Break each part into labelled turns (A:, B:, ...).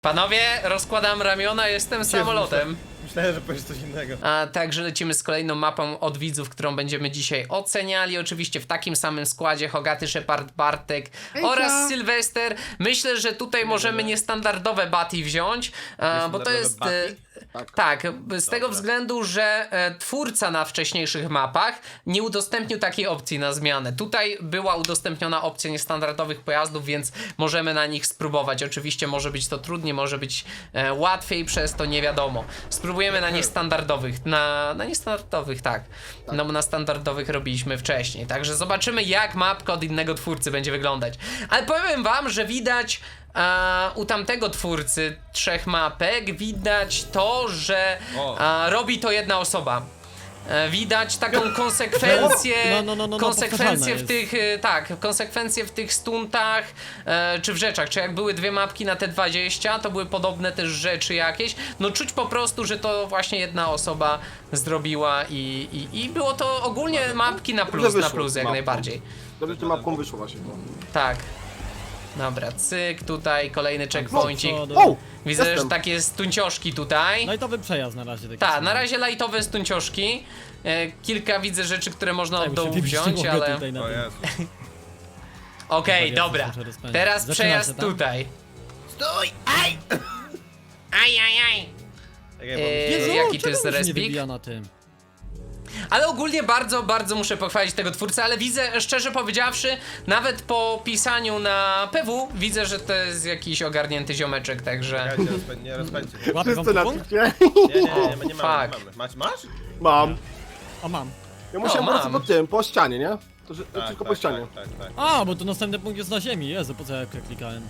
A: Panowie, rozkładam ramiona, jestem samolotem.
B: Myślałem, że powiesz coś innego.
A: A także lecimy z kolejną mapą od widzów, którą będziemy dzisiaj oceniali. Oczywiście w takim samym składzie: Hogaty, Shepard, Bartek oraz Sylwester. Myślę, że tutaj możemy niestandardowe Batty wziąć, bo to jest... Tak, z tego względu, że twórca na wcześniejszych mapach nie udostępnił takiej opcji na zmianę. Tutaj była udostępniona opcja niestandardowych pojazdów, więc możemy na nich spróbować. Oczywiście może być to trudniej, może być łatwiej, przez to nie wiadomo. Spróbujemy na niestandardowych, na niestandardowych, tak. No bo na standardowych robiliśmy wcześniej, także zobaczymy, jak mapka od innego twórcy będzie wyglądać. Ale powiem wam, że widać u tamtego twórcy 3 mapek, widać to, że robi to jedna osoba. Widać taką konsekwencję, konsekwencje w tych, konsekwencje w tych stuntach, czy w rzeczach, czy jak były 2 mapki na te 20, to były podobne też rzeczy jakieś, no czuć po prostu, że to właśnie jedna osoba zrobiła i było to ogólnie mapki na plus jak najbardziej.
C: Dobrze, że mapką wyszło właśnie.
A: Tak. Dobra, cyk, tutaj kolejny checkpointik. Widzę, że takie stuncioszki tutaj.
D: Lightowy przejazd na razie.
A: Tak, na razie lightowe stuncioszki. Kilka widzę rzeczy, które można od dołu wziąć, ale... Okej, dobra. Teraz przejazd tutaj.
B: Stój! Aj!
A: Aj. Jaki to jest respik? Ale ogólnie bardzo muszę pochwalić tego twórcę, ale widzę, szczerze powiedziawszy, nawet po pisaniu na PW, widzę, że to jest jakiś ogarnięty ziomeczek, także...
B: Nie rozpędźcie.
C: Wszyscy na piwcie.
B: Nie mamy. Masz?
C: Mam.
D: A mam.
C: Ja musiałem po prostu po tym, po ścianie, nie? To tylko po ścianie.
B: Tak.
D: A, bo to następny punkt jest na ziemi. Jezu, po co ja klikałem?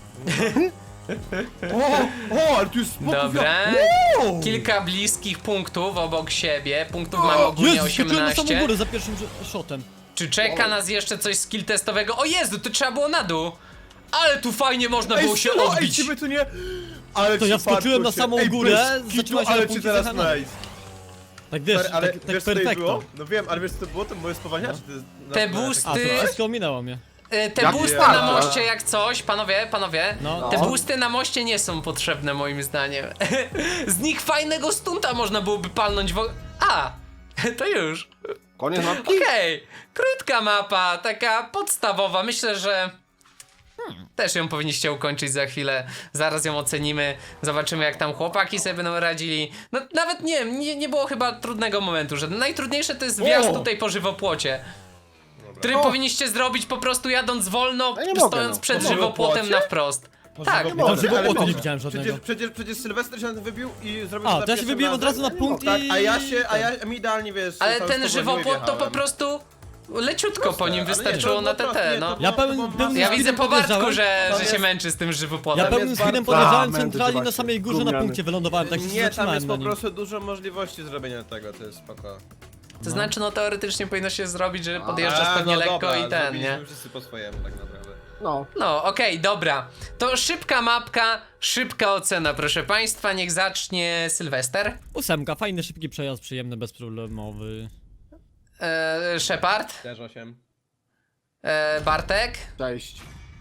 C: Ale tu jest spokój.
A: Dobra, kilka bliskich punktów obok siebie, punktów mamy ogólnie
D: Jezu, skoczyłem na samą
A: 18.
D: górę za pierwszym shotem.
A: Czy czeka nas jeszcze coś skill testowego? O Jezu, to trzeba było na dół! Ale tu fajnie można było się odbić!
C: Ej, tu nie... Ale
D: To ja wskoczyłem na samą górę, zaczęła się na
B: ale ci
D: punkcie
B: teraz
D: zahana.
B: nice.
D: Tak wiesz,
B: Ale
D: tak
B: wiesz co tutaj
D: perfekto.
B: było? No wiem, ale wiesz co to było? To moje spowalniacze.
A: Te
D: A,
A: boosty,
D: to wszystko ominęło mnie.
A: te boosty
C: ja.
A: na moście jak coś, panowie,
D: No.
A: te boosty na moście nie są potrzebne moim zdaniem. Z nich fajnego stunta można byłoby palnąć to już.
C: Koniec mapki?
A: Okej, krótka mapa, taka podstawowa, myślę, że też ją powinniście ukończyć za chwilę, zaraz ją ocenimy, zobaczymy jak tam chłopaki sobie będą radzili. No nawet nie było chyba trudnego momentu, że najtrudniejsze to jest wjazd tutaj po żywopłocie, który powinniście zrobić po prostu jadąc wolno,
C: Ja nie mogę,
A: stojąc
C: no.
A: przed
B: Po
A: żywopłotem
B: żywopłocie?
A: na wprost. Tak,
C: mogę.
D: Tam żywopłotu
B: ale
D: nie
B: mogę.
D: widziałem żadnego.
B: Przecież Sylwester się na to wybił i zrobił
D: A,
B: za
D: to ja się
B: pierwszym
D: wybiłem od
B: razem.
D: razu na punkt
B: Tak,
D: i...
B: a ja mi idealnie wiesz...
A: ale
B: tam
A: ten
B: z tobą
A: żywopłot to po
B: wjechałem.
A: prostu leciutko po nim
B: ale nie,
A: wystarczyło
B: to
A: na
B: było
A: TT,
B: proste,
A: no.
B: to było-
D: Ja
B: to
D: pełnym
B: było
D: pełnym
A: Ja
B: masę.
A: widzę po Bartku,
D: podjeżdżałem.
A: że
B: jest-
A: się męczy z tym żywopłotem.
D: Ja
B: Tam
D: pełnym
B: jest
D: speedem
B: bardzo-
D: podjeżdżałem
C: mędy,
D: centralnie na
C: zobaczcie,
D: samej górze na
C: gówniany.
D: punkcie wylądowałem, tak się
B: Nie, tam
D: zatrzymałem
B: jest
D: na
B: po
D: nim.
B: prostu dużo możliwości zrobienia tego, to jest spoko.
A: To znaczy, no teoretycznie powinno się zrobić, że podjeżdżasz pewnie
B: no
A: lekko
B: dobra,
A: i ten,
B: zrobiliśmy
A: nie?
B: wszyscy po swojemu tak naprawdę.
C: No.
A: No, okej, dobra. To szybka mapka, szybka ocena, proszę państwa. Niech zacznie Sylwester.
D: 8, fajny, szybki przejazd, przyjemny, bezproblemowy.
A: Shepard.
B: Też 8.
A: Bartek.
C: Cześć.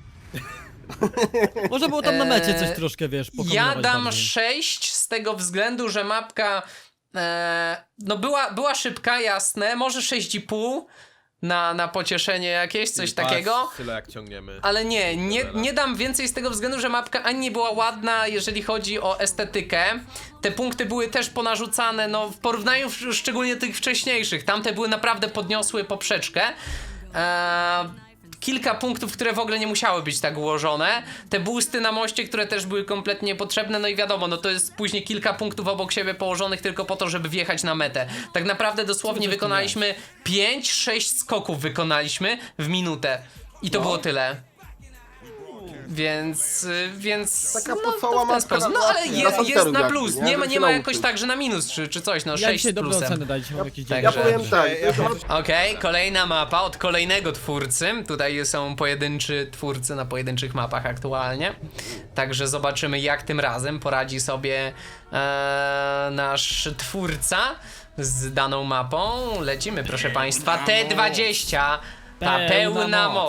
D: Może było tam na mecie coś troszkę, wiesz,
A: Ja
D: pokombinować
A: dam
D: bardziej.
A: 6 z tego względu, że mapka no była szybka, jasne. Może 6,5 na pocieszenie jakieś, coś takiego.
B: Tyle jak ciągniemy.
A: Ale nie dam więcej z tego względu, że mapka ani nie była ładna, jeżeli chodzi o estetykę. Te punkty były też ponarzucane, no w porównaniu szczególnie tych wcześniejszych. Tamte były naprawdę podniosły poprzeczkę. Kilka punktów, które w ogóle nie musiały być tak ułożone. Te boosty na moście, które też były kompletnie niepotrzebne, no i wiadomo, no to jest później kilka punktów obok siebie położonych tylko po to, żeby wjechać na metę. Tak naprawdę dosłownie wykonaliśmy 5-6 skoków wykonaliśmy w minutę. I to było tyle. Więc
C: Taka
A: no,
C: podstawowa
A: to w ten
C: mapka
A: sposób.
C: na
A: No ale
C: łatwiej, na
A: jest
C: panteru
A: na
C: jakby,
A: plus,
C: nie?
A: nie ma,
C: Żeby
A: nie
C: się
A: ma
C: nauczyć.
A: jakoś tak, że na minus czy coś, no
D: Ja
A: 6
D: dzisiaj
A: z
D: dobre
A: plusem.
D: oceny daliście, mam jakieś
A: Także-
C: Ja
D: 9.
C: powiem tak.
A: Okej, kolejna mapa od kolejnego twórcy. Tutaj są pojedynczy twórcy na pojedynczych mapach aktualnie. Także zobaczymy, jak tym razem poradzi sobie nasz twórca z daną mapą. Lecimy, proszę państwa. T20. Ta
D: Pełna
A: pełna
D: moc.
A: moc.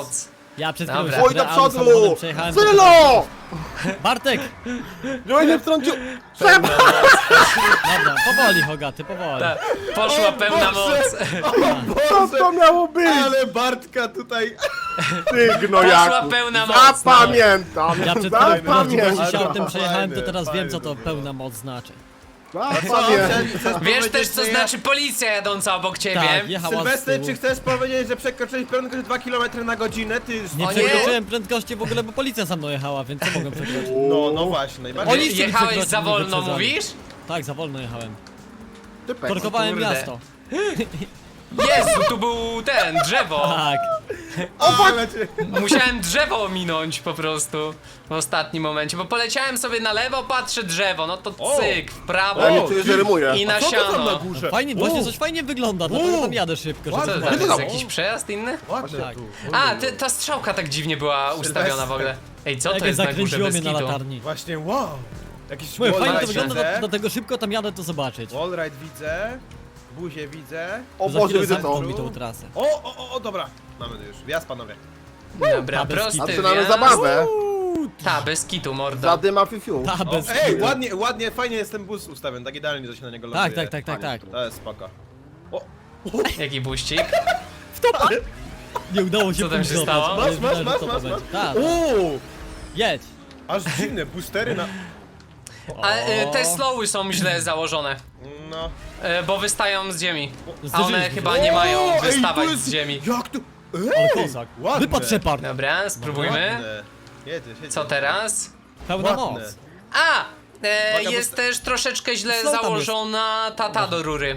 D: Ja przed chwilą
A: Dobra.
D: się
C: Oj, do
D: realnym
C: przodu!
D: samochodem przejechałem.
C: Sylo!
D: Bartek!
C: No i nie wtrącił. Trzeba!
D: Dobra, powoli Hogaty, powoli.
A: Ta, poszła pełna moc.
C: Co to miało być?
B: Ale Bartka tutaj...
C: Ty
A: Poszła
C: gnojaku.
A: pełna moc. No.
C: Zapamiętam.
D: Ja przed chwilą
C: Zapamiętam.
D: się autem przejechałem, to
B: Fajny,
D: teraz wiem co to
B: fajny,
D: pełna moc znaczy.
C: Zapamiętam.
A: Wiesz też co znaczy policja jadąca obok ciebie.
D: Tak, jechała z
B: Sylwester,
D: tyłu.
B: czy chcesz powiedzieć, że przekroczyłeś prędkość 2 km na godzinę? Ty...
D: Nie
A: O nie!
D: przekroczyłem prędkości w ogóle, bo policja za mną jechała, więc co mogłem przekroczyć?
B: No właśnie, najbardziej.
D: Oni- Policja
A: Jechałeś
D: przekroczył,
A: za
D: nie
A: wolno,
D: wyprzedzali.
A: mówisz?
D: Tak, za wolno jechałem.
C: Typek.
D: Korkowałem
A: kurde.
D: miasto.
A: Jezu, tu był drzewo.
D: Tak.
B: Ale cię...
A: Musiałem drzewo ominąć po prostu w ostatnim momencie, bo poleciałem sobie na lewo, patrzę drzewo, no to
B: O!
A: cyk, w prawo
C: Ja nie czuję, że rymuje.
A: i na
B: Co to tam na
A: siano.
B: górze?
D: Fajnie, właśnie coś fajnie wygląda, dlatego tam jadę szybko.
A: Co
D: żeby
A: to
D: zobaczyć.
A: jest?
C: tam?
A: Jakiś przejazd inny?
B: Ładnie
D: Tak.
B: tu.
A: A, ta strzałka tak dziwnie była ustawiona w ogóle. Ej, co to
D: Jak
A: jest na górze
D: zakręciło
A: bez
D: mnie na
A: kitu?
D: latarni.
B: Właśnie, wow. Jakiś
D: Mówię, fajnie to
B: wallride
D: wygląda,
B: widzę.
D: dlatego szybko tam jadę to zobaczyć.
B: Wallride widzę. Buzię widzę.
C: O
D: Za
C: Boże,
D: chwilę
C: widzę
D: zamkną
C: to.
D: mi tą trasę.
B: O, dobra. Mamy to już. Wjazd, panowie.
A: Dobra,
D: Ta bez
A: prosty
C: Zaczynamy
A: wjazd.
C: zabawę.
A: Ta, bez kitu, mordo.
C: Zadyma fifiu.
D: Ta, bez
B: Ej,
D: kitu.
B: ładnie, fajnie jest ten bus ustawiony, tak idealnie, że się na niego ląduje.
D: tak.
B: To jest spoko. O,
A: Jaki buścik?
D: Nie udało się
A: Co tam się
D: punktować,
A: stało?
D: ale
B: Masz,
D: wiedziałem,
B: masz,
D: że to
B: masz,
D: będzie.
B: masz.
D: Tak,
B: Uuu,
D: jedź.
B: aż dziwne, boostery na...
A: A te slowy są źle założone,
B: No.
A: bo wystają z ziemi. A one
D: Zderzyliśmy
A: chyba
D: się.
A: nie mają
B: O, ej,
A: wystawać
B: to jest-
A: z ziemi.
B: Jak to?
D: Ale kozak.
B: ładne.
D: Wypadł Shepard.
A: Dobra, spróbujmy.
B: Ładne. Jedziesz.
A: Co teraz?
D: Pełna
B: Ładne.
D: moc.
A: A!
B: Uwaga, bo
A: Jest też troszeczkę źle
D: Slow tam
A: założona tata do rury.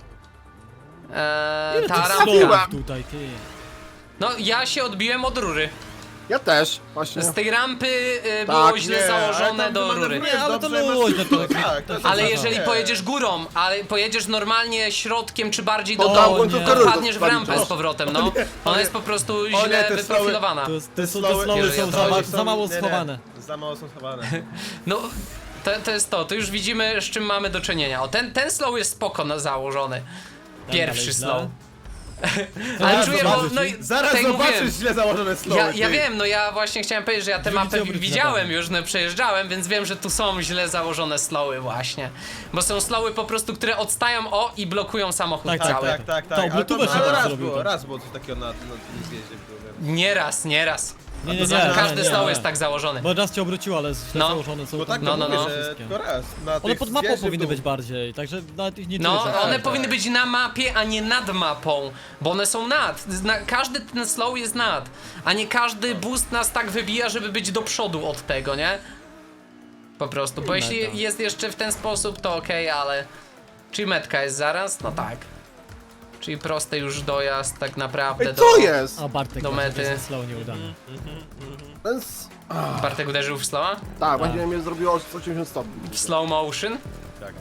D: Ile
A: Ta
D: tych
A: rampka.
D: slowów tutaj, ty.
A: No, ja się odbiłem od rury.
C: Ja też, właśnie.
A: Z tej rampy było
C: Tak,
A: źle
B: Nie, ale
A: założone
B: tam
A: do rury.
B: wymanewrujesz
D: Nie, ale to
B: dobrze, masz-
D: luźne to
B: Tak, to
A: Ale
B: jest
A: jeżeli
B: nie.
A: pojedziesz górą, ale pojedziesz normalnie środkiem czy bardziej do
C: To tam
A: dołu,
C: końcówkę
D: nie.
C: rury
A: wpadniesz w rampę
C: zostawić.
A: z powrotem, no. Ona jest po prostu
B: O nie,
A: źle
B: te
A: wyprofilowana.
D: Te
B: slowy-
D: slowy
A: Jeżeli
D: są
A: o to chodzi,
D: za mało
B: nie,
D: schowane.
B: Za mało są schowane.
A: No, to jest to już widzimy z czym mamy do czynienia. O, ten slow jest spoko założony. Pierwszy
D: dalej
A: slow.
D: źle.
A: Ale
B: Zaraz
A: czuję, bo
B: zobaczysz,
A: no i
B: Zaraz
A: tak jak
B: zobaczysz
A: mówiłem,
B: źle założone slowy.
A: ja
B: ty.
A: wiem, no ja właśnie chciałem powiedzieć, że ja tę
D: Drzwi
A: mapę
D: obróć
A: widziałem
D: zadane.
A: już, no przejeżdżałem, więc wiem, że tu są źle założone slowy właśnie. Bo są slowy po prostu, które odstają i blokują samochód
D: Tak,
A: cały.
B: Tak.
D: To
B: Ale
D: Bluetooth się
B: ale
D: tak
B: raz
D: zrobił,
B: było,
D: tak.
B: raz było coś takiego na tym zjeździe. Byłem.
A: Nieraz.
D: Nie, nie,
A: Każdy
D: nie,
A: slow
D: nie.
A: jest tak założony.
D: Bo raz cię obróciło, ale źle
A: No.
D: założone są.
B: No tak,
A: No,
B: no,
A: no,
B: mówię,
A: no.
B: że
D: Wszystkie.
B: tylko raz. Na
D: One
B: tych
D: pod mapą
B: zjeździe
D: powinny
B: był.
D: być bardziej, także nawet ich nie
A: No,
D: czuję.
A: one
B: tak.
A: powinny być na mapie, a nie nad mapą, bo one są nad. Każdy ten slow jest nad, a nie każdy boost nas tak wybija, żeby być do przodu od tego, nie? Po prostu, bo jeśli
D: Meta.
A: jest jeszcze w ten sposób, to okej, ale... Czyli metka jest zaraz? No tak. Czyli prosty już dojazd tak naprawdę
C: Ej,
A: do...
C: co jest?
D: A Bartek
A: Do
D: właśnie,
A: mety.
D: to jest slow nieudany.
C: Ten
A: Bartek uderzył w slowa?
C: Tak, właśnie mnie zrobiło 180 stopni.
A: W slow motion?
B: Tak.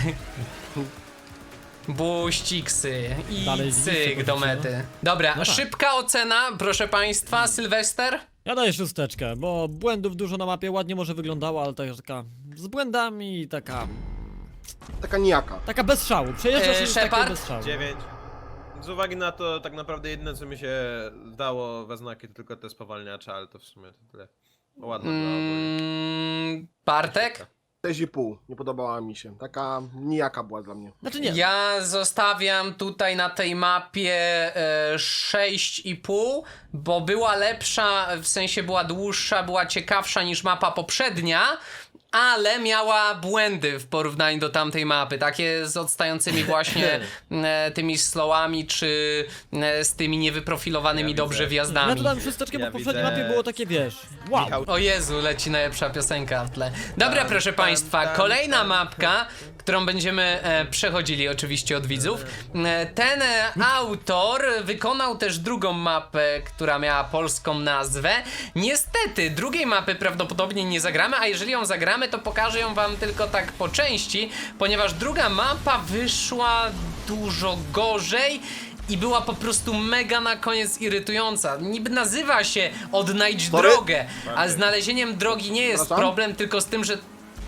A: Buściksy i
D: Dalej
A: cyk
D: widzicie,
A: do
D: widzicie,
A: mety. Dobra,
D: No tak.
A: szybka ocena, proszę państwa, Sylwester?
D: Ja daję szósteczkę, bo błędów dużo na mapie, ładnie może wyglądało, ale taka z błędami,
C: Taka nijaka.
D: taka bez szału. Przejeżdżasz już takie
A: Shepard?
D: bez szału.
B: 9. Z uwagi na to, tak naprawdę jedyne co mi się dało we znaki to tylko te spowalniacze, ale to w sumie to tyle. Ładne było ogólnie.
A: Bartek?
C: 6,5. Nie podobała mi się. Taka nijaka była dla mnie.
D: Znaczy nie,
A: Ja zostawiam tutaj na tej mapie 6,5, bo była lepsza, w sensie była dłuższa, była ciekawsza niż mapa poprzednia, ale miała błędy w porównaniu do tamtej mapy, takie z odstającymi właśnie tymi slowami, czy z tymi niewyprofilowanymi
B: Ja
A: dobrze
B: widzę.
D: ja
A: wjazdami.
D: tu dam szósteczkę, bo
B: Ja
D: w poprzedniej
B: widzę-
D: mapie było takie, wiesz, wow.
B: Michał,
A: O Jezu, leci najlepsza piosenka w tle. Dobra,
B: Tam,
A: proszę
B: tam,
A: państwa,
B: tam,
A: kolejna
B: tam.
A: mapka, którą będziemy przechodzili oczywiście od widzów. Ten autor wykonał też drugą mapę, która miała polską nazwę. Niestety, drugiej mapy prawdopodobnie nie zagramy, a jeżeli ją zagramy, to pokażę ją wam tylko tak po części, ponieważ druga mapa wyszła dużo gorzej i była po prostu mega na koniec irytująca. Niby nazywa się Odnajdź
C: Sorry?
A: drogę, a znalezieniem drogi nie jest
C: Przepraszam?
A: problem, tylko z tym, że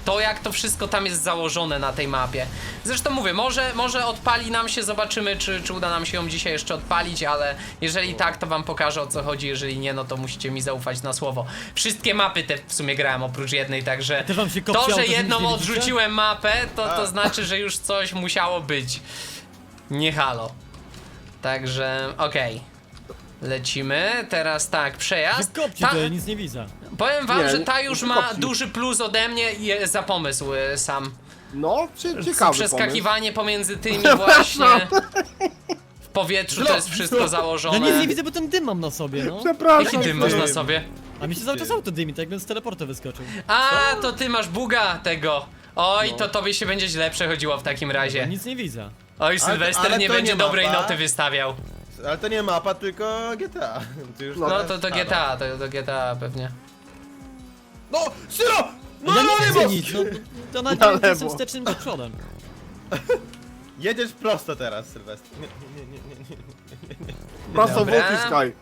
A: to jak to wszystko tam jest założone na tej mapie. Zresztą mówię, może odpali nam się, zobaczymy czy uda nam się ją dzisiaj jeszcze odpalić, ale jeżeli tak, to wam pokażę, o co chodzi, jeżeli nie, no to musicie mi zaufać na słowo. Wszystkie mapy te w sumie grałem oprócz jednej, także
D: Też wam się kopciało,
A: to, że
D: to, że
A: jedną
D: nic nie widzicie?
A: odrzuciłem mapę, to znaczy, że już coś musiało być. Nie halo. Także okej. Lecimy, teraz tak, przejazd.
D: Wykopcie to, ja nic nie widzę.
A: Powiem wam,
C: Nie,
A: że ta już
C: nie
A: ma
C: kopci.
A: duży plus ode mnie za pomysł sam.
C: No, ciekawy
A: Przeskakiwanie pomiędzy tymi właśnie w powietrzu, to jest wszystko
D: Ja
A: założone.
D: nic nie widzę, bo ten dym mam na sobie, no.
C: pomysł. Przepraszam.
A: Jaki dym masz na sobie?
D: A mi się cały czas auto dymi, tak jakbym z teleportu wyskoczył.
A: A, to ty masz buga tego. Oj,
C: No.
A: to tobie się będzie źle przechodziło w takim razie.
D: Nic nie widzę.
A: Oj, Sylwester
B: ale
A: nie
B: to
A: będzie
B: nie
A: dobrej
B: mapa.
A: noty wystawiał.
B: Ale to nie mapa, tylko GTA. Ty już
C: No,
A: No
B: teraz-
A: to
B: A,
A: GTA, to GTA pewnie.
B: No, Syro! No,
D: Ja
B: no,
D: nie widzę
B: lewo!
D: nic, no. To
C: Na
D: nawet jestem
C: lewo.
D: wstecznym do przodem.
B: Jedziesz prosto teraz, Sylwester. Nie.
C: Prosto w
A: Dobra.
C: uciskaj.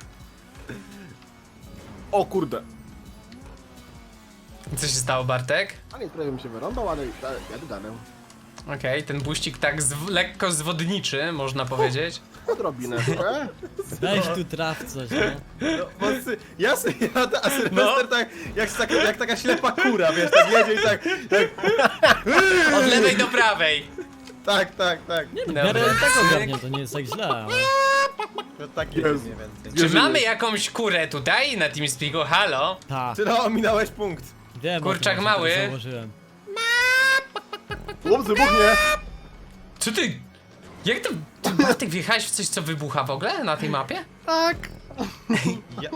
C: O kurde.
A: Co się stało, Bartek?
C: A nie, trochę mi się wyrąbał, ale jadę dalej.
A: Okej, ten buścik tak lekko zwodniczy, można powiedzieć.
C: Odrobinę.
D: Weź tu traf coś, no.
B: No, bo ja sobie jadę, a Sylwester tak jak taka ślepa kura, wiesz, tak jedzie i tak,
A: Od lewej do prawej.
B: tak.
D: W miarę tego ogarnię, to nie jest tak źle, ale...
B: No tak jest
C: Jezu.
B: mniej więcej.
A: Czy mamy jakąś kurę tutaj na TeamSpeaku? Halo?
D: Ta,
B: Syro, ominąłeś punkt.
D: wiem,
A: Kurczak
D: o tym,
A: mały.
D: że założyłem.
C: Chłop wybuchnie.
A: Co ty? Jak to? Ty, Bartek, wjechałeś w coś, co wybucha w ogóle na tej mapie?
C: Tak.
B: Ja,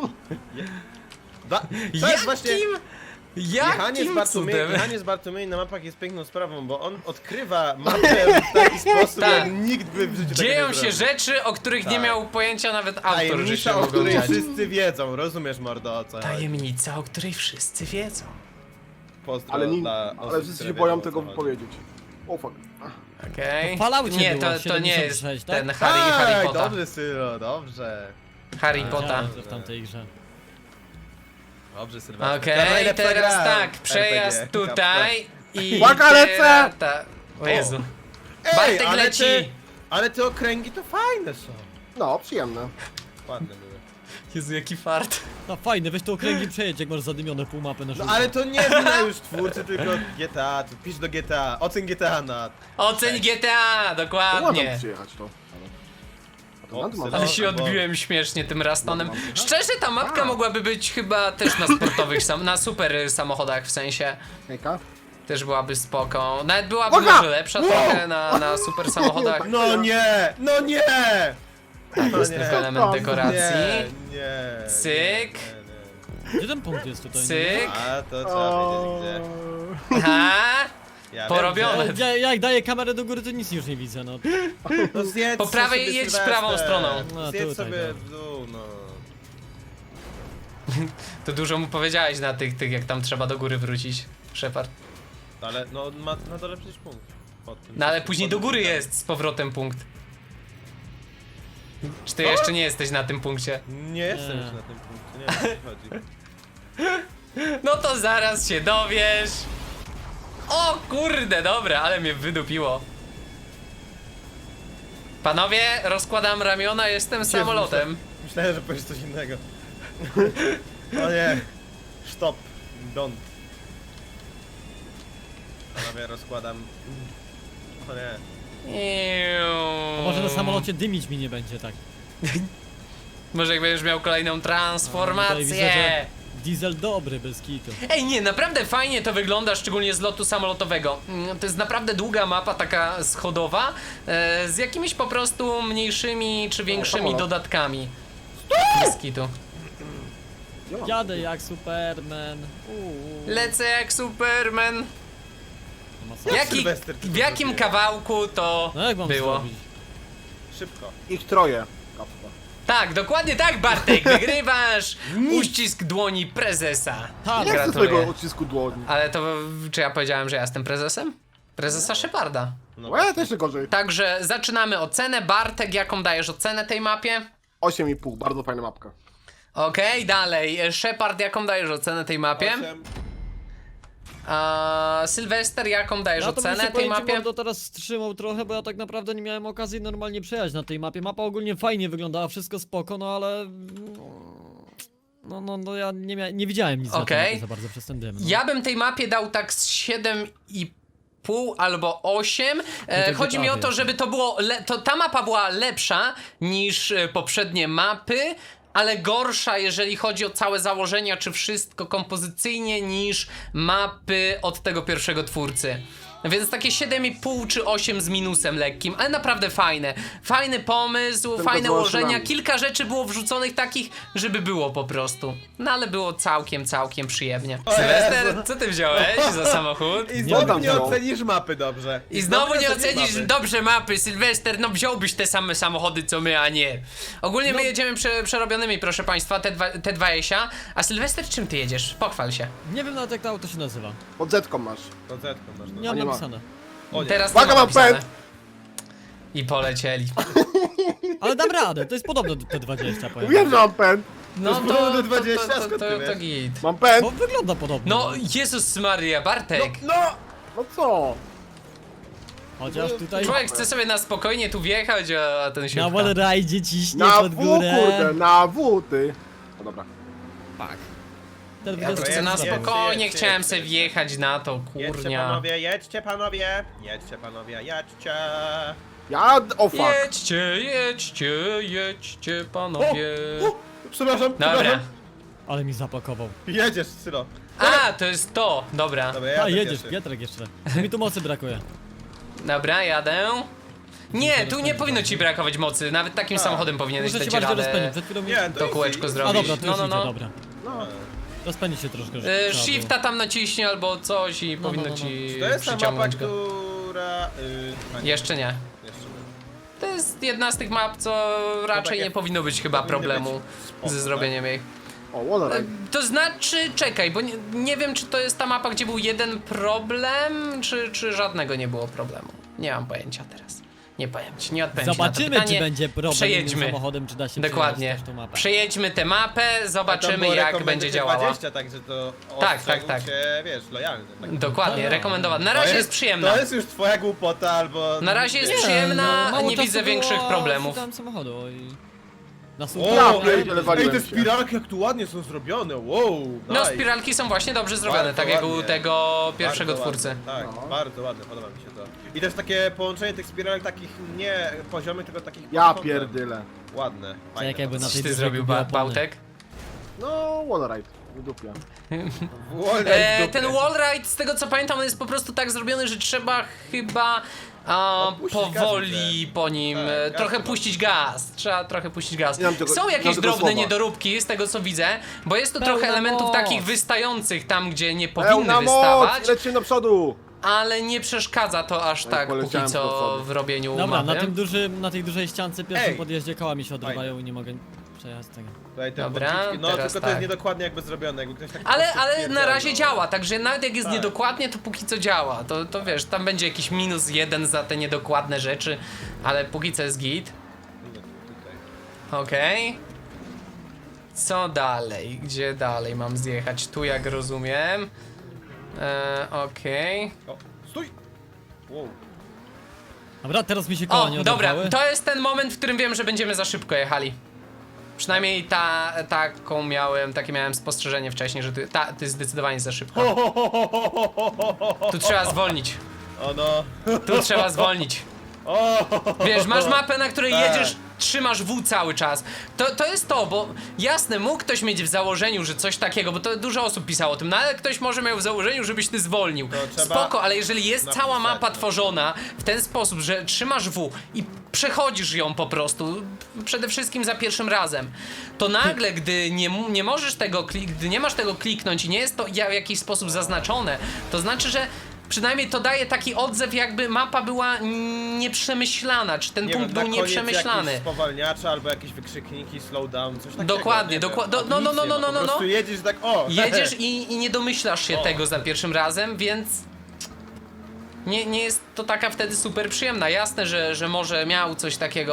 B: to jest właśnie... Jechanie z Bartłomiej na mapach jest piękną sprawą, bo on odkrywa mapę w taki sposób,
A: Tak.
B: jak nikt by w życiu tego
A: Dzieją
B: nie
A: się
B: zrobił.
A: rzeczy, o których nie
B: Tak.
A: miał pojęcia nawet autor, że się
B: Tajemnica, o
A: mogą
B: której
A: dziać.
B: wszyscy wiedzą, rozumiesz, mordo, o co chodzi?
A: Tajemnica, o której wszyscy wiedzą.
B: Pozdro
C: Ale,
B: dla
C: ale
B: osób,
C: wszyscy
B: które
C: się boją
B: wiedzą, o
C: tego
B: co chodzi.
C: wypowiedzieć. O fuck.
A: Okej.
D: To w Falloutie
A: Nie,
D: było,
A: to nie jest
D: 76, tak?
A: ten Harry
B: Tak,
A: Potter.
B: dobrze, Syro, dobrze.
A: Harry Potter.
D: Wiedziałem, że w tamtej grze.
B: Dobrze, Sylwester.
A: Okej, teraz tak, przejazd
B: RPG.
A: tutaj i
C: Uwaga, lecę!
A: teraz o Jezu.
B: Ej,
A: Bartek
B: ale
A: leci!
B: ale te okręgi to fajne są.
C: No, przyjemne.
B: Ładne były.
A: Jezu, jaki fart.
D: No fajne, weź to okręgi przejedź, jak masz zadymione pół mapy na
B: No
D: żółto.
B: ale to nie wina już twórcy, tylko GTA, to pisz do GTA, ocen GTA na...
A: Oceń GTA,
C: Ładnie
A: dokładnie.
C: przyjechać to. A to
B: O,
C: nad mam.
B: syno.
A: Ale się
B: bo-
A: odbiłem śmiesznie tym Rastonem.
C: No,
A: Szczerze, ta mapka mogłaby być chyba też na sportowych, na super samochodach w sensie.
C: Hejka.
A: Też byłaby spoko. Nawet byłaby
C: Uwaga!
A: może lepsza trochę na super samochodach.
B: No nie! No nie! No
A: Jest
B: nie.
A: tylko element
C: Nie,
A: dekoracji.
B: Nie.
A: Cyk.
D: Gdzie ten punkt jest tutaj?
A: Cyk.
B: A to trzeba wiedzieć gdzie.
A: Aha!
B: Ja
A: Porobione.
B: wiem,
D: Ja jak daję kamerę do góry, to nic już nie widzę, no.
B: gdzie. No zjedz
A: Po prawej
B: sobie,
A: jedź
B: Sylwester.
A: prawą stroną.
D: No,
B: Zjedz
D: tutaj,
B: sobie
D: dobra.
B: w dół, no.
A: To dużo mu powiedziałeś na tych jak tam trzeba do góry wrócić, Shepard.
B: Ale no on ma na dole przecież punkt. Pod tym.
A: No ale później do góry jest z powrotem punkt. Czy ty jeszcze nie jesteś na tym punkcie?
B: Nie jestem
D: Nie.
B: już na tym punkcie, nie wiem o co chodzi.
A: No to zaraz się dowiesz. O kurde, dobra, ale mnie wydupiło. Panowie, rozkładam ramiona, jestem samolotem.
B: Myślałem, że powiesz coś innego. O nie. Stop. Don't. Panowie, rozkładam. O nie.
D: A może na samolocie dymić mi nie będzie, tak.
A: Może jak będziesz miał kolejną
D: Tutaj widzę, że
A: transformację.
D: diesel dobry, bez kitu.
A: Ej, nie, naprawdę fajnie to wygląda, szczególnie z lotu samolotowego. To jest naprawdę długa mapa, taka schodowa, z jakimiś po prostu mniejszymi czy większymi
C: samolot.
A: dodatkami. Bez kitu.
D: Jadę jak Superman.
A: Lecę jak Superman.
D: To ma sens.
B: Sylwester, ty
A: W
B: to
A: jakim
B: zrobiłeś?
A: kawałku to
D: No jak mam
A: było?
D: zrobić?
B: Szybko.
C: Ich troje. Kappa.
A: Tak, dokładnie tak, Bartek, wygrywasz uścisk dłoni prezesa.
D: Tak,
C: Nie chcę
A: Gratuluję.
C: swojego odcisku dłoni.
A: Ale to, czy ja powiedziałem, że ja jestem prezesem? Prezesa Sheparda.
B: No,
C: Łe, to jeszcze gorzej.
A: Także zaczynamy ocenę. Bartek, jaką dajesz ocenę tej mapie?
C: 8,5, bardzo fajna mapka.
A: Okej, dalej. Shepard, jaką dajesz ocenę tej mapie?
B: 8.
A: Sylwester, jaką dajesz
D: Ja to bym
A: ocenę
D: się
A: tej
D: powiem ci,
A: mapie?
D: mordo, teraz wstrzymał trochę, bo ja tak naprawdę nie miałem okazji normalnie przejechać na tej mapie. Mapa ogólnie fajnie wyglądała, wszystko spoko, no ale... No ja nie widziałem nic na tej
A: Okej.
D: mapie za bardzo przez ten dym. No.
A: Ja bym tej mapie dał tak z 7,5 albo 8.
D: to
A: Chodzi mi o to,
D: ciekawie.
A: żeby to było. Ta mapa była lepsza niż poprzednie mapy, ale gorsza, jeżeli chodzi o całe założenia, czy wszystko kompozycyjnie, niż mapy od tego pierwszego twórcy. Więc takie 7,5 czy 8 z minusem lekkim, ale naprawdę fajne. Fajny pomysł,
C: Tylko
A: fajne
C: z
A: ułożenia.
C: maszynami.
A: Kilka rzeczy było wrzuconych takich, żeby było po prostu. No ale było całkiem przyjemnie. Sylwester, co ty wziąłeś za samochód?
B: I
C: tam
B: znowu nie
C: wziął?
B: ocenisz mapy dobrze.
A: I znowu nie
B: ocenisz
A: ocenisz
B: mapy.
A: dobrze mapy, Sylwester, no wziąłbyś te same samochody co my, a nie. Ogólnie my jedziemy przerobionymi, proszę państwa, te dwa Esia. A Sylwester, czym ty jedziesz? Pochwal się.
D: Nie wiem nawet jak to auto się nazywa.
C: Pod zetką masz.
B: To zetką masz.
D: Nie
B: No.
D: mam
C: nie ma.
D: napisane.
B: O nie.
A: Teraz
C: Uwaga,
A: nie ma
C: mam
A: napisane.
C: pęd!
A: I polecieli.
D: Ale dam radę, to jest podobne do T20 powiem.
C: Wiem, że mam pęd.
A: No
B: jest podobne do 20, skąd ty
A: to
B: wiesz?
A: git.
C: Mam pęd.
D: Bo wygląda podobnie.
A: No, Jezus Maria, Bartek.
C: No co?
D: Chociaż tutaj
A: Człowiek chce sobie na spokojnie tu wjechać, a ten się
D: na
A: pcha.
D: wallride'zie ciśnie
C: Na
D: pod
C: W,
D: górę.
C: kurde, na W, ty. No dobra.
D: Tak. Ten
A: Ja tu
B: Dobra,
A: chcę na
B: jedź,
A: spokojnie,
B: jedź,
A: chciałem
B: jedź,
A: sobie
B: jedź.
A: wjechać na to,
B: Jedźcie
A: kurnia.
B: panowie, jedźcie panowie. Jedźcie panowie, jedźcie.
C: Ja... O fuck.
A: Jedźcie, panowie.
B: Przepraszam,
A: Dobra.
B: przepraszam.
D: Ale mi zapakował.
B: Jedziesz, Sylo.
A: A, to jest to, dobra.
B: Dobra, ja
D: A
B: tak
D: jedziesz,
B: pierwszy.
D: Piotrek jeszcze. Mi tu mocy brakuje.
A: Dobra, jadę. Nie, tu nie powinno ci brakować mocy, nawet takim samochodem powinieneś
D: Muszę się
A: dać
D: bardziej
A: radę
D: rozpędzić, przed chwilą mi...
B: Nie,
A: to kółeczko
B: easy.
A: zrobić.
D: A dobra, to już
A: No,
D: idzie,
A: no.
D: dobra.
C: No.
D: Rozpędzi się troszkę. trzeba było.
A: Shifta tam naciśnie albo coś i
D: No,
A: powinno
D: no.
A: ci
B: Czy to jest ta mapa,
A: przyciągnąć go.
B: która... a nie,
A: Jeszcze nie.
B: jeszcze nie.
A: To jest jedna z tych map, co raczej
B: takie
A: nie powinno być chyba
B: powinny
A: problemu
B: być spoko,
A: ze
B: tak?
A: zrobieniem jej.
C: O, Wallride.
A: To znaczy, czekaj, bo nie wiem, czy to jest ta mapa, gdzie był jeden problem, czy żadnego nie było problemu. Nie mam pojęcia teraz. Nie powiem ci, nie odpowiem ci na to
D: Zobaczymy,
A: pytanie.
D: czy będzie problem
A: Przejedźmy.
D: innym samochodem, czy da się
A: Dokładnie.
D: przejechać też tą mapę.
A: Przejedźmy tę mapę,
B: A tam
A: zobaczymy
B: było
A: jak
B: recommended
A: będzie działała.
B: 20, także to
A: Tak,
B: ostrzegł
A: tak.
B: cię, wiesz, lojalny. Tak.
A: Dokładnie,
D: A.
A: rekomendowana. Na
B: To
A: razie jest przyjemna.
B: To jest już twoja głupota, albo...
A: Na razie jest
B: Nie.
A: przyjemna,
D: mało
A: nie
D: czasu
A: widzę
D: było,
A: większych problemów.
D: szukałem samochodu i... Na
B: O,
D: słupie.
C: Ja
B: ej,
C: pierdzielę,
B: ej,
C: waliłem
B: te
C: się.
B: spiralki jak tu ładnie są zrobione, wow,
A: No,
B: nice.
A: spiralki są właśnie dobrze zrobione,
B: Bardzo
A: tak jak u
B: ładnie.
A: tego pierwszego
B: Bardzo
A: twórcy.
B: Ładne, tak,
C: No.
B: bardzo ładne, podoba mi się to. I też takie połączenie tych spiralek takich nie poziomych, tylko takich
C: Ja
B: pod kątem.
C: pierdyle.
B: Ładne, fajne.
D: jak jakby na
A: Coś
D: tej
A: ty
D: dużej
A: zrobił,
D: kubie opony.
A: Bałtek?
C: No, Wallride. Wydupia.
B: Wolne w dupie.
A: Ten wallride, z tego co pamiętam, on jest po prostu tak zrobiony, że trzeba chyba
B: Puścić
A: powoli
B: gaz,
A: po nim,
B: Tak, gaz
A: trochę
B: chyba.
A: puścić gaz. Trzeba trochę puścić gaz.
C: Nie mam tego-
A: Są
C: nie mam
A: jakieś
C: tego
A: drobne
C: słowa.
A: niedoróbki, z tego co widzę, bo jest tu
D: Pełna
A: trochę elementów
D: moc.
A: takich wystających tam, gdzie nie powinny
C: Pełna
A: wystawać,
C: moc! Lecimy do przodu!
A: ale nie przeszkadza to aż
C: No i
A: tak póki
C: poleciałem
A: co
C: pod wodę.
A: w robieniu
D: Dobra,
A: mapy.
D: na tej dużej ściance pierwszym
B: Ej.
D: podjeździe koła mi się odrywają i nie mogę przejechać tego.
B: Tutaj te
A: Dobra,
B: bączki, no
A: teraz
B: tylko to
A: tak.
B: jest niedokładnie jakby zrobione, jakby ktoś tak po
A: Ale
B: prostu
A: na
B: stwierdzał,
A: razie
B: no.
A: działa, także nawet jak jest
B: Tak.
A: niedokładnie, to póki co działa. To wiesz, tam będzie jakiś -1 za te niedokładne rzeczy, ale póki co jest git.
B: Tutaj.
A: Okej. Co dalej? Gdzie dalej mam zjechać? Tu jak rozumiem. Okej.
B: O, stój! Wow.
D: Dobra, teraz mi się koła nie
A: O, dobra,
D: oderwały.
A: to jest ten moment, w którym wiem, że będziemy za szybko jechali. Przynajmniej takie miałem spostrzeżenie wcześniej, że to jest zdecydowanie za szybko. Tu trzeba zwolnić.
B: O no.
A: Tu trzeba zwolnić.
B: O,
A: Wiesz, masz mapę, na której
B: Tak.
A: jedziesz, trzymasz W cały czas. To jest to, bo jasne, mógł ktoś mieć w założeniu, że coś takiego, bo to dużo osób pisało o tym, no ale ktoś może miał w założeniu, żebyś ty zwolnił.
B: To trzeba
A: Spoko, ale jeżeli jest
B: napisać,
A: cała mapa
B: no.
A: tworzona w ten sposób, że trzymasz W i przechodzisz ją po prostu, przede wszystkim za pierwszym razem, to nagle, gdy nie możesz tego gdy nie masz tego kliknąć i nie jest to w jakiś sposób zaznaczone, to znaczy, że przynajmniej to daje taki odzew, jakby mapa była nieprzemyślana, czy ten
B: nie
A: punkt
B: wiem,
A: był
B: na koniec
A: nieprzemyślany.
B: jakieś spowalniacze albo jakieś wykrzykniki, slowdown, coś takiego.
A: Dokładnie,
B: nie wiem.
A: dokładnie.
B: A tu
A: No,
B: nic
A: no,
B: nie
A: no,
B: ma,
A: no, no,
B: po prostu
A: no.
B: jedziesz tak, o!
A: Jedziesz i nie domyślasz się
B: O.
A: tego za pierwszym razem, więc nie jest to taka wtedy super przyjemna. Jasne, że może miał coś takiego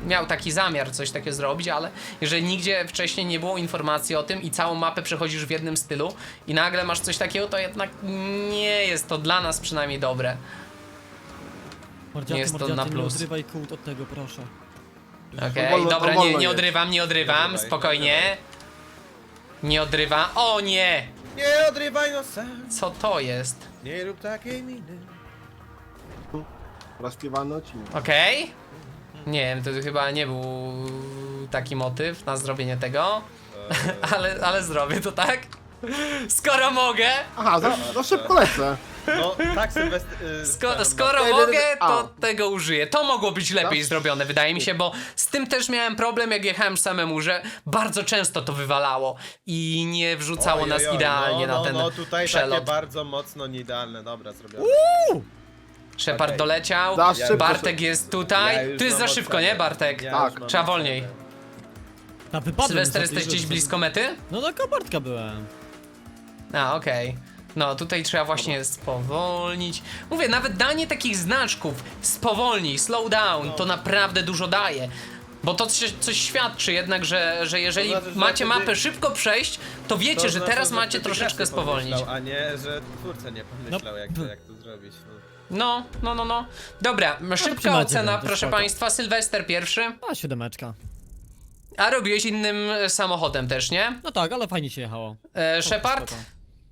A: miał taki zamiar coś takiego zrobić, ale jeżeli nigdzie wcześniej nie było informacji o tym i całą mapę przechodzisz w jednym stylu i nagle masz coś takiego, to jednak nie jest to dla nas przynajmniej dobre.
D: Mordziaty,
A: jest to
D: mordziaty,
A: na plus.
D: nie odrywaj kółt od tego, proszę.
A: Okej,
C: wolno-
A: dobra,
C: to wolno
A: nie
C: jest.
A: odrywam, nie odrywam,
B: odrywaj,
A: spokojnie. Nie odrywam. O nie!
B: Nie odrywaj nosa,
A: Co to jest?
B: nie rób takiej miny.
C: Rozpiewany odcinek.
A: Okej. Nie wiem, to chyba nie był taki motyw na zrobienie tego. Ale zrobię to tak. Skoro mogę,
C: Aha, za szybko lecę.
B: No, tak Sylwester...
A: skoro
C: Ej,
A: mogę,
C: a.
A: to tego użyję. To mogło być lepiej
C: Tak?
A: zrobione, wydaje mi się, bo z tym też miałem problem, jak jechałem samemu, że bardzo często to wywalało i nie wrzucało nas idealnie na ten
B: No, tutaj
A: przelot.
B: takie bardzo mocno nieidealne, dobra, zrobione.
A: Shepard
B: Okej.
A: doleciał,
C: Za szybko.
A: Bartek jest tutaj.
B: już
A: Tu jest
B: mam
A: za szybko,
B: ocenę.
A: nie Bartek?
B: Ja
C: Tak.
B: już mam
A: Trzeba
B: ocenę.
A: wolniej.
D: Na wypadek.
A: Sylwester, jesteś gdzieś blisko mety?
D: No do Kobartka byłem.
A: A, okej. No, tutaj trzeba właśnie spowolnić. Mówię, nawet danie takich znaczków, spowolnij, slow down, to naprawdę dużo daje. Bo to coś świadczy jednak, że jeżeli
B: To znaczy, że
A: macie
B: wtedy-
A: mapę szybko przejść, to wiecie,
B: To
A: że
B: znaczy,
A: teraz
B: że
A: macie
B: wtedy
A: troszeczkę
B: gracz nie
A: spowolnić.
B: pomyślał, a nie, że twórca nie pomyślał, jak to zrobić. No.
A: No. Dobra, szybka
D: przymacie,
A: ocena,
D: to
A: proszę
D: spoko.
A: państwa. Sylwester pierwszy.
D: A, 7.
A: A robiłeś innym samochodem też, nie?
D: No tak, ale fajnie się jechało.
A: Shepard?
D: Spoko.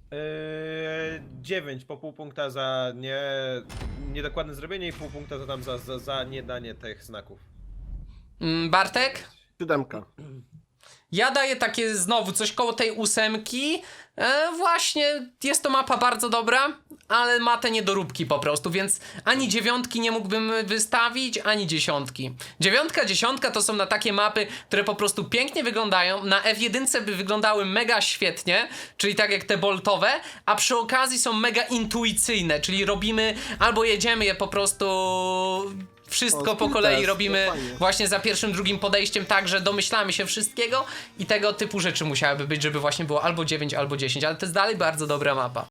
B: 9 po pół punkta za niedokładne zrobienie i pół punkta za tam za niedanie tych znaków.
A: Bartek?
C: 7.
A: Ja daję takie znowu coś koło tej 8. Właśnie jest to mapa bardzo dobra, ale ma te niedoróbki po prostu, więc ani 9 nie mógłbym wystawić, ani 10. 9, 10 to są na takie mapy, które po prostu pięknie wyglądają. Na F1 by wyglądały mega świetnie, czyli tak jak te boltowe, a przy okazji są mega intuicyjne, czyli robimy albo jedziemy je po prostu... Wszystko
C: O,
A: po
C: skill
A: kolei
C: test,
A: robimy
C: fajnie.
A: właśnie za pierwszym, drugim podejściem tak, że domyślamy się wszystkiego i tego typu rzeczy musiałyby być, żeby właśnie było albo 9, albo 10, ale to jest dalej bardzo dobra mapa.